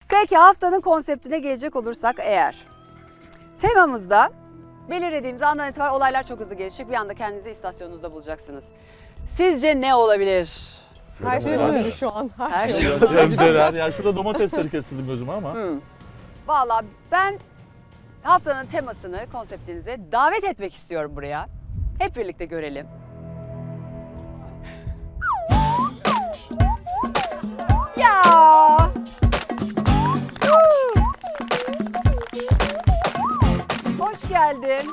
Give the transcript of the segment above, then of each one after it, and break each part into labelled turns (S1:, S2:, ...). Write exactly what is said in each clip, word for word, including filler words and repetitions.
S1: Peki haftanın konseptine gelecek olursak eğer. Temamızda belirlediğimiz andan itibaren olaylar çok hızlı gelişecek. Bir anda kendinizi istasyonunuzda bulacaksınız. Sizce ne olabilir?
S2: Her şey
S3: Sebzeler.
S2: olabilir şu an. Her,
S1: Her
S2: şey.
S1: şey.
S3: Ya sebzeler. Ya şurada domatesleri kesildim gözüme ama.
S1: Hmm. Valla ben haftanın temasını, konseptinize davet etmek istiyorum buraya. Hep birlikte görelim. Ya! Huu! Hoş geldin.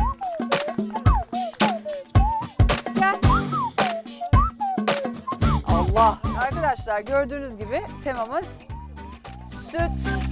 S1: Gel. Allah! Arkadaşlar gördüğünüz gibi temamız süt.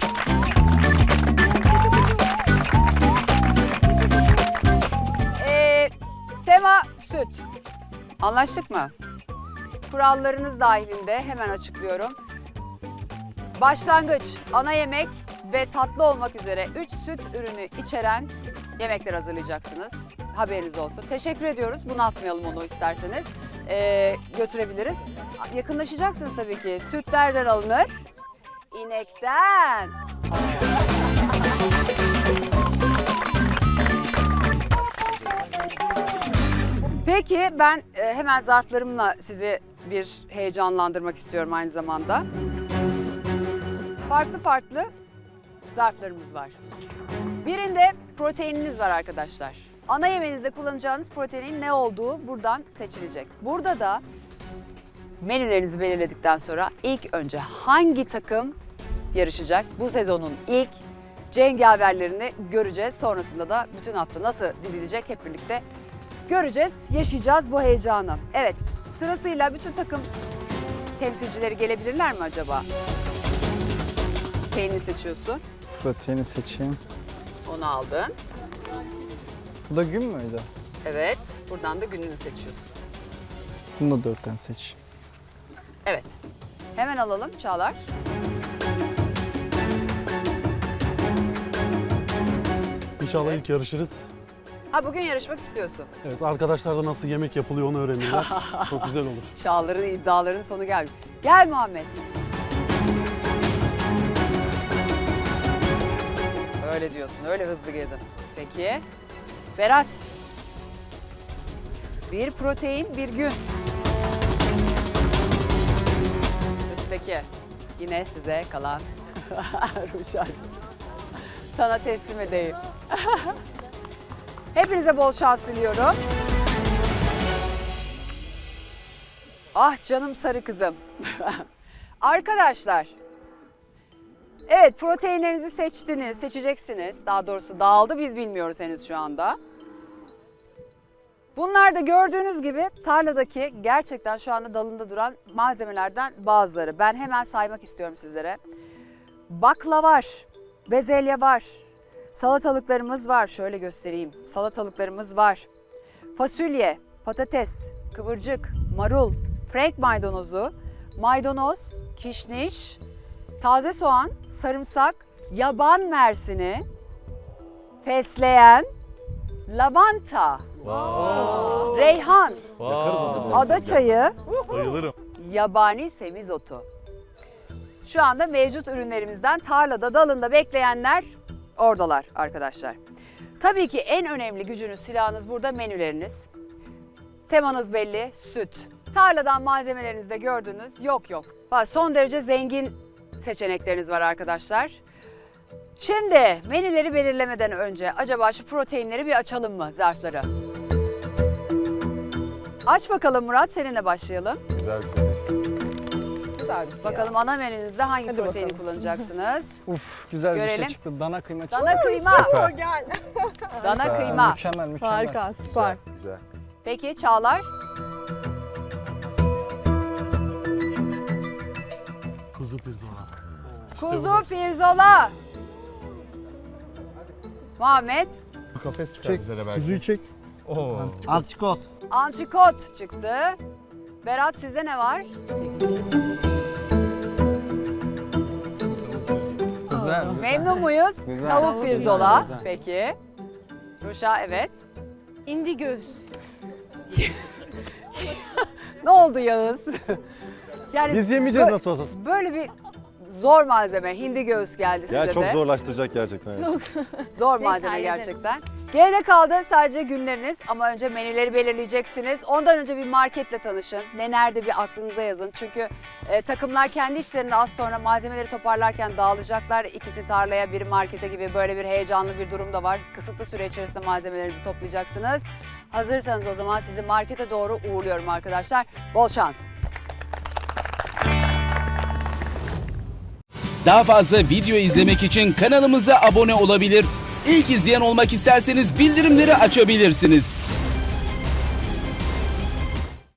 S1: Ee, tema süt. Anlaştık mı? Kurallarınız dahilinde hemen açıklıyorum. Başlangıç, ana yemek ve tatlı olmak üzere üç süt ürünü içeren yemekler hazırlayacaksınız. Haberiniz olsun. Teşekkür ediyoruz. Bunaltmayalım onu isterseniz. Ee, götürebiliriz. Yakınlaşacaksınız tabii ki. Süt nereden alınır? İnekten. Peki ben e, hemen zarflarımla sizi bir heyecanlandırmak istiyorum aynı zamanda. Farklı farklı zarflarımız var. Birinde proteininiz var arkadaşlar. Ana yemeğinizde kullanacağınız proteinin ne olduğu buradan seçilecek. Burada da menülerinizi belirledikten sonra ilk önce hangi takım yarışacak? Bu sezonun ilk cengaverlerini göreceğiz. Sonrasında da bütün hafta nasıl dizilecek hep birlikte göreceğiz, yaşayacağız bu heyecanı. Evet, sırasıyla bütün takım temsilcileri gelebilirler mi acaba? Peynini seçiyorsun.
S4: Proteini seçeyim.
S1: Onu aldın.
S4: Bu da gün müydü?
S1: Evet, buradan da gününü seçiyorsun.
S4: Bunu da dörtten seç.
S1: Evet. Hemen alalım Çağlar.
S5: İnşallah ilk yarışırız.
S1: Ha bugün yarışmak istiyorsun.
S5: Evet, arkadaşlar da nasıl yemek yapılıyor onu öğrenirler. Çok güzel olur.
S1: Çağlar'ın iddialarının sonu gelmiş. Gel Muhammed. Öyle diyorsun, öyle hızlı girdin. Peki. Berat. Bir protein, bir gün. Üstteki. Yine size kalan Ruşacığım. Sana teslim edeyim. Hepinize bol şans diliyorum. Ah canım sarı kızım. Arkadaşlar. Evet, proteinlerinizi seçtiniz, seçeceksiniz. Daha doğrusu dağıldı, biz bilmiyoruz henüz şu anda. Bunlar da gördüğünüz gibi tarladaki gerçekten şu anda dalında duran malzemelerden bazıları. Ben hemen saymak istiyorum sizlere. Bakla var, bezelye var, salatalıklarımız var. Şöyle göstereyim. Salatalıklarımız var. Fasulye, patates, kıvırcık, marul, frank maydanozu, maydanoz, kişniş, taze soğan, sarımsak, yaban mersini, fesleğen, lavanta,
S3: Wow.
S1: reyhan,
S3: Yakarız onu.
S1: ada çayı,
S3: Bayılırım.
S1: yabani semizotu. Şu anda mevcut ürünlerimizden tarlada, dalında bekleyenler oradalar arkadaşlar. Tabii ki en önemli gücünüz, silahınız burada menüleriniz. Temanız belli, süt. Tarladan malzemelerinizi de gördünüz, yok yok. Bak, son derece zengin seçenekleriniz var arkadaşlar. Şimdi menüleri belirlemeden önce acaba şu proteinleri bir açalım mı, zarfları? Aç bakalım Murat, seninle başlayalım.
S3: Güzel bir şey seçtim.
S2: Güzel bir şey
S1: Bakalım ana menünüzde hangi
S2: Hadi
S1: proteini
S2: bakalım.
S1: kullanacaksınız?
S4: Uf, güzel bir
S1: Görelim.
S4: şey çıktı. Dana kıyma çıktı.
S1: Dana kıyma,
S2: ya. Gel.
S1: dana
S3: Süper.
S1: kıyma.
S4: Mükemmel, mükemmel.
S2: Harika, süper.
S3: Güzel. Güzel.
S1: Peki Çağlar?
S5: Kuzu pirzola.
S1: Kuzu pirzola. Muhammed?
S3: Kafes çıkar bize de belki.
S4: Kuzuyu çek.
S3: Oo.
S6: Antikot.
S1: Antrikot çıktı. Berat, sizde ne var?
S4: Güzel.
S1: Memnun muyuz?
S4: Güzel.
S1: Tavuk pirzola.
S4: Güzel.
S1: Peki. Ruşa, evet.
S2: İndi göğüs.
S1: Ne oldu Yağız? Yani
S5: Biz yemeyeceğiz
S1: bö-
S5: nasıl olsa.
S1: Böyle bir zor malzeme hindi göğüs geldi size
S3: Ya
S1: de.
S3: çok zorlaştıracak gerçekten. yani.
S1: Zor
S2: Neyse,
S1: malzeme
S2: hallederiz.
S1: gerçekten. Geride kaldı sadece günleriniz ama önce menüleri belirleyeceksiniz. Ondan önce bir marketle tanışın. Ne nerede bir aklınıza yazın. Çünkü e, takımlar kendi işlerinde az sonra malzemeleri toparlarken dağılacaklar. İkisi tarlaya, biri markete gibi böyle bir heyecanlı bir durum da var. Kısıtlı süre içerisinde malzemelerinizi toplayacaksınız. Hazırsanız o zaman sizi markete doğru uğurluyorum arkadaşlar. Bol şans.
S6: Daha fazla video izlemek için kanalımıza abone olabilir. İlk izleyen olmak isterseniz bildirimleri açabilirsiniz.